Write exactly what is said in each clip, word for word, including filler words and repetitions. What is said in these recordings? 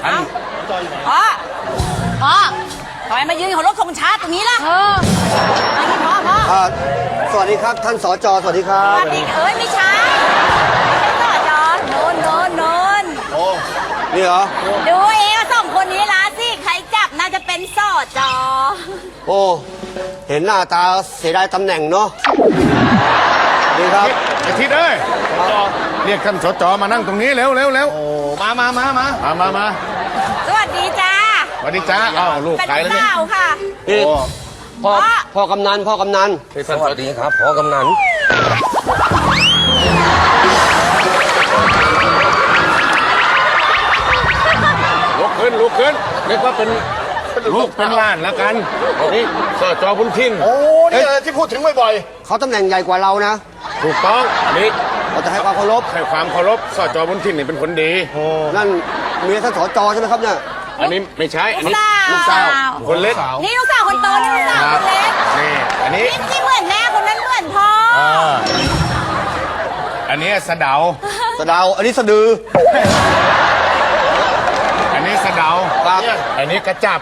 ท่านพ่อพ่อทำไมมายืนของรถธงชาติตรงนี้ล่ะเออมาที่พ่อพ่ออ่าสวัสดีครับท่านสจสวัสดีครัสบวัสดีเอ้ยไม่ใช่ไม่ใช่ต่อจอโนนโนนโนนโอ้นี่เหรอดูเองว่าสองคนนี้ละสิใครจับน่าจะเป็นสอจอโอ้เห็นหน้าตาเสียดายตำแหน่งเนาะดีครับไอ้ทิศเอ้ยเรียกท่านสจมานั่งตรงนี้เร็วเร็วเร็วโอ้มามามามามามามาสวัสดีจ้าสวัสดีจ้าอ้าวลูกเป็นใครแล้วเนี่ยสาวค่ะนี่โอ้พ่อพ่อกำนันพ่อกำนันสวัสดีครับพ่อกำนันลุกขึ้นลุกขึ้นเรียกว่าเป็นลูกเป็นหล้านแล้วกันนี่สจบุญทินโอ้นี่แหละที่พูดถึงบ่อยเขาตำแหน่งใหญ่กว่าเรานะถูกต้องนี่เราจะให้ความเคารพให้ความเคารพสจบุญทินนี่เป็นคนดีนั่นเมียท่านสจใช่ไหมครับเนี่ยอันนี้ไม่ใช่อันนี้ลูลูกกสาสาว วคนเล็กนี่ลูกสาวคนโตนี่ลูกสาวคนเล็กนี่อันนี้นี่ที่เหมือนแม่คนนั้นเหมือนพ่ออ่าอันนี้สะเดาสะเดาวอันนี้สะดืออันนี้สะเดาครับอันนี้กระจับ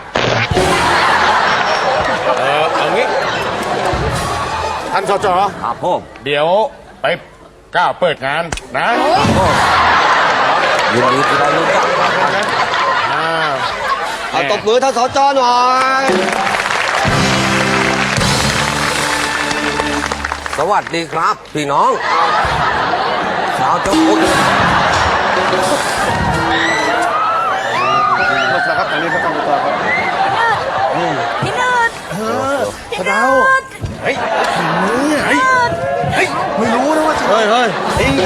เออเอางี้ท่านสจครับพ่อเดี๋ยวไปก้าวเปิดงานนะยินดีที่ได้รู้จักครับอ่าเอาตบมือท่านสจหน่อยสวัสดีครับ พี่น้องชาวเจ้าพุทธครับอันนี้ก็ต้องต่อครับพี่นืดพี่นืดเฮ้ยเฮ้ยเฮ้ยๆ ไม่รู้นะว่าจะเฮ้ยเฮ้ย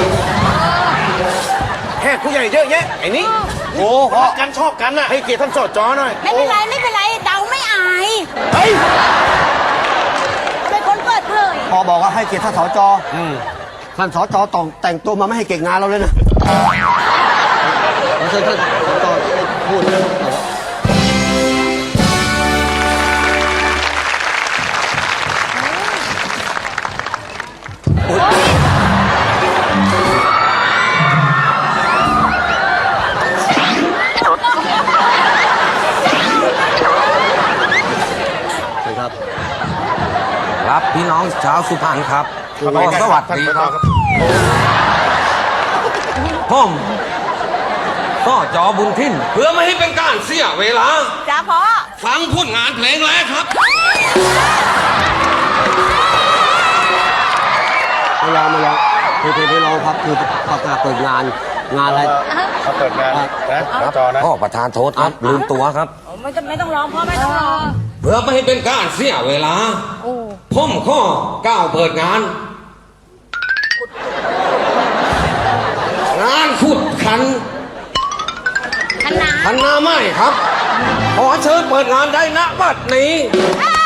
แขกผู้ใหญ่เยอะแยะไอ้นี่โอ้พ่อรักกันชอบกันน่ะให้เกียรติท่านสจหน่อยไม่เป็นไรไม่เป็นไรเดาไม่อายเฮ้ยเป็นคนเปิดเผยพอบอกว่าให้เกียรติท่านสจท่านสจต้องแต่งตัวมาไม่ให้เก่งงานเราเลยนะเราเชิญท่านสจพูดนะครับครับพี่น้องชาวสุพรรณครับก็สวัสดีครับผมก็จอบุญทินเพื่อไม่ให้เป็นการเสียเวลาจ้าพ่อฟังผลงานเพลงแรกครับไม่ยอมไม่ยอมคือคือไม่รอครับคือประกาศเปิดงานงานอะไรเขาเปิดงานนะสจนะพ่อประธานโทษครับลืมตัวครับไม่ต้องไม่ต้องร้องพ่อไม่ต้องร้องเพื่อไม่ให้เป็นการเสียเวลาผมข้อก้าวเปิดงาน งานขุดขันคณะคันนาไม้ครับ ขอเชิญเปิดงานได้ณบัดนี้อ้า